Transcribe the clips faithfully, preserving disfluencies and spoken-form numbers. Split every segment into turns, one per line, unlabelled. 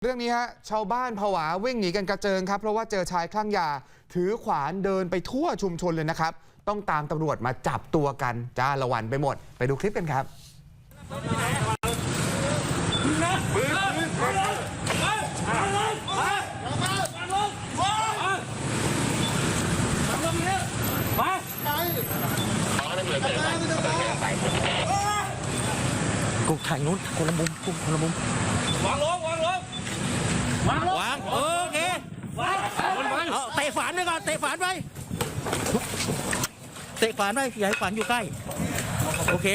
เรื่องนี้ฮะชาวบ้านผวาวิ่งหนีกันกระเจิงครับเพราะว่าเจอชายคลั่งยาถือขวานเดินไปทั่วชุมชนเลยนะครับต้องตามตำรวจมาจับตัวกันจ้าละวันไปหมดไปดูคลิปกันครับ
กูถ่ายนู้นคนละมุมกูคนละมุมวางลงวางลงวางลงวางโอเควางเอาเตะฝานไปก่อนเตะฝานไปเตะฝานไปอย่าให้ฝานอยู่ใกล้โอเค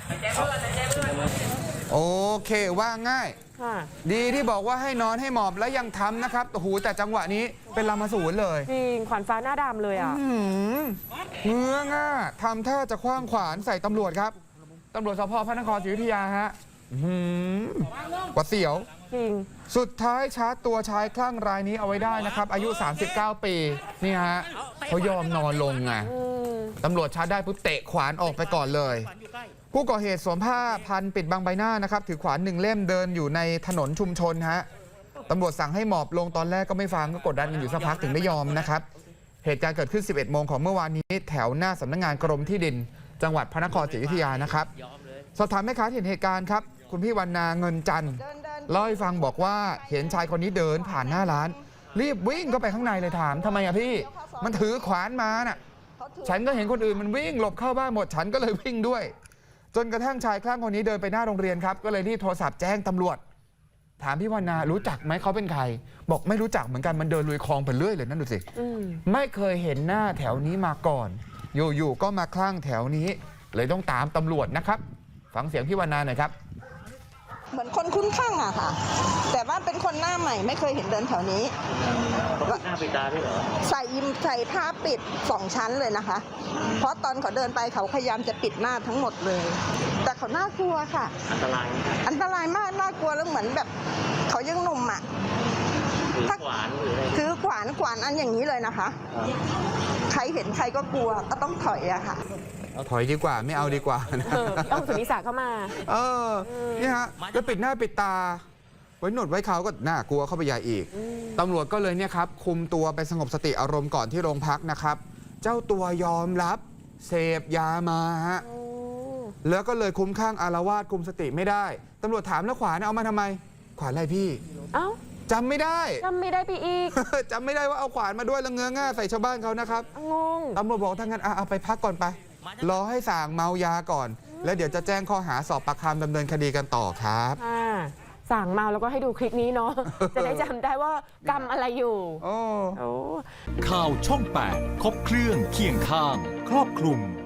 โอเคว่าง่ายดีที่บอกว่าให้นอนให้หมอบแล้วยังทำนะครับโอ้โหแต่จังหวะนี้เป็นลามาสูนเลย
จริงขวัญฟ้าหน้าดำเลยอ่ะ
เงื้อง่าทำท่าจะคว้างขวานใส่ตำรวจครับตำรวจสพพระนครศรีอยุธยาฮะกว่าเสียว
จริง
สุดท้ายชาร์จตัวชายคลั่งรายนี้เอาไว้ได้นะครับอายุสามสิบเก้าปีนี่ฮะเขายอมนอนลงไงตำรวจชาร์จได้ปุ๊บเตะขวานออกไปก่อนเลยผู้ก่อเหตุสวมผ้าพันปิดบังใบหน้านะครับถือขวานหนึ่งเล่มเดินอยู่ในถนนชุมชนฮะตำรวจสั่งให้หมอบลงตอนแรกก็ไม่ฟังก็กดดันกันอยู่สักพักถึงได้ยอมนะครับเหตุการณ์เกิดขึ้นสิบเอ็ดโมงของเมื่อวานนี้แถวหน้าสำนักงานกรมที่ดินจังหวัดพระนครศรีอยุธยานะครับสอบถามแม่ค้าเห็นเหตุการณ์ครับคุณพี่วรรณาเงินจันทร์เล่าให้ฟังบอกว่าเห็นชายคนนี้เดินผ่านหน้าร้านรีบวิ่งเข้าไปข้างในเลยถามทำไมอะพี่มันถือขวานมาน่ะฉันก็เห็นคนอื่นมันวิ่งหลบเข้าบ้านหมดฉันก็เลยวิ่งด้วยจนกระทั่งชายคลั่งคนนี้เดินไปหน้าโรงเรียนครับก็เลยรีบโทรศัพท์แจ้งตำรวจถามพี่วรรณารู้จักไหมเขาเป็นใครบอกไม่รู้จักเหมือนกันมันเดินลุยคลองไปเรื่อยเลยนั่นดูสิไม่เคยเห็นหน้าแถวนี้มาก่อนอยู่ๆก็มาคลั่งแถวนี้เลยต้องตามตำรวจนะครับฟังเสียงพี่วรรณาหน่อยครับ
เหมือนคนคุ้นข้างอะค่ะแต่ว่าเป็นคนหน้าใหม่ไม่เคยเห็นเดินแถวนี้
หน้าปิดตาด้วยเหรอ
ใส่ยิมใส่ผ้าปิดสองชั้นเลยนะคะเพราะตอนเขาเดินไปเขาพยายามจะปิดหน้าทั้งหมดเลยแต่เขาน่ากลัวค่ะ
อันตราย
อันตรายมากน่ากลัวแล้วเหมือนแบบเขายังหนุ่มอะ
ถือขวานหรืออะไร
ถือขวานขวานอันอย่างนี้เลยนะคะใครเห็นใครก็กลัวก็ต้องถอยอะค่ะ
ถอยดีกว่าไม่เอาดีกว่านะ
ต้องสุนิสาเข้ามา
เออนี่ฮะแล้วปิดหน้าปิดตาไว้หนวดไว้เขาก็น่ากลัวเข้าไปใหญ่อีกตำรวจก็เลยเนี่ยครับคุมตัวไปสงบสติอารมณ์ก่อนที่โรงพักนะครับเจ้าตัวยอมรับเสพยามาฮะแล้วก็เลยคุ้มข้างอาละวาดคุมสติไม่ได้ตำรวจถามแล้วขวานเอามาทำไมขวานอะไรพี่
เอ้า
จำไม่ได้
จำไม่ได้ไปอีก
จำไม่ได้ว่าเอาขวานมาด้วยแล้วเงื้อง่าใส่ชาวบ้านเขานะครับ
งง
ตำรวจบอกทั้งนั้นเอาไปพักก่อนไปรอให้ส่างเมายาก่อนแล้วเดี๋ยวจะแจ้งข้อหาสอบปากคำดำเนินคดีกันต่อครับ
สั่งเมาแล้วก็ให้ดูคลิปนี้เนาะจะได้จำได้ว่ากรรมอะไรอยู่
โอ้
ข่าวช่องแปดครบเครื่องเคียงข้างครอบคลุม